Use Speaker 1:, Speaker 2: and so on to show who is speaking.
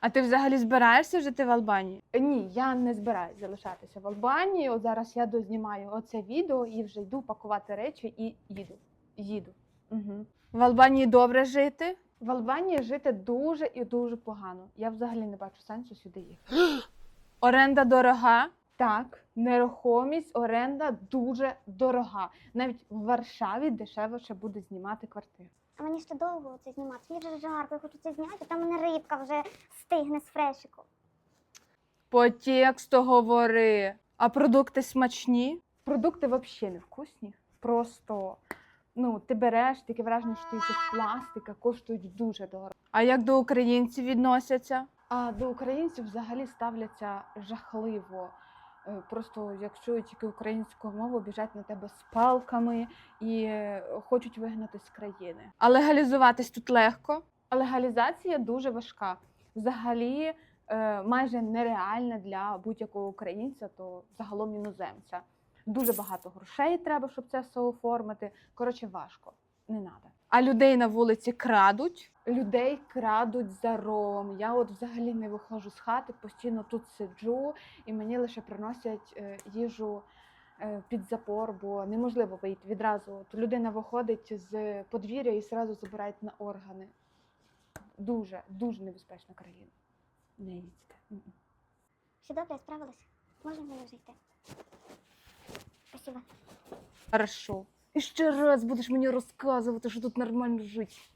Speaker 1: А ти взагалі збираєшся жити в Албанії?
Speaker 2: Ні, я не збираюсь залишатися в Албанії. От зараз я дознімаю оце відео і вже йду пакувати речі і їду. Угу.
Speaker 1: В Албанії добре жити?
Speaker 2: В Албанії жити дуже і дуже погано. Я взагалі не бачу сенсу сюди їхати.
Speaker 1: Оренда дорога?
Speaker 2: Так, нерухомість, оренда дуже дорога. Навіть в Варшаві дешевше буде знімати квартиру.
Speaker 3: А мені ще довго це знімати. Мені вже жарко, я хочу це зняти, а там у мене рибка вже стигне з фрешику.
Speaker 1: По тексту говори. А продукти смачні?
Speaker 2: Продукти взагалі не вкусні. Просто, ти береш, таке враження, що ти їх з пластика, коштують дуже дорого.
Speaker 1: А як до українців відносяться?
Speaker 2: А до українців взагалі ставляться жахливо. Просто як чують тільки українську мову, біжать на тебе з палками і хочуть вигнати з країни.
Speaker 1: А легалізуватись тут легко?
Speaker 2: А легалізація дуже важка. Взагалі майже нереальна для будь-якого українця, то загалом іноземця. Дуже багато грошей треба, щоб це все оформити. Коротше, важко. Не треба.
Speaker 1: А людей на вулиці крадуть?
Speaker 2: Людей крадуть за рогом. Я от взагалі не виходжу з хати, постійно тут сиджу, і мені лише приносять їжу під запор, бо неможливо вийти відразу. От людина виходить з подвір'я і одразу забирають на органи. Дуже, дуже небезпечна країна. Не їдьте.
Speaker 3: Все добре, я справилась. Можна мені вже йти? Спасибо.
Speaker 1: Хорошо. І ще раз будеш мені розказувати, що тут нормально жити.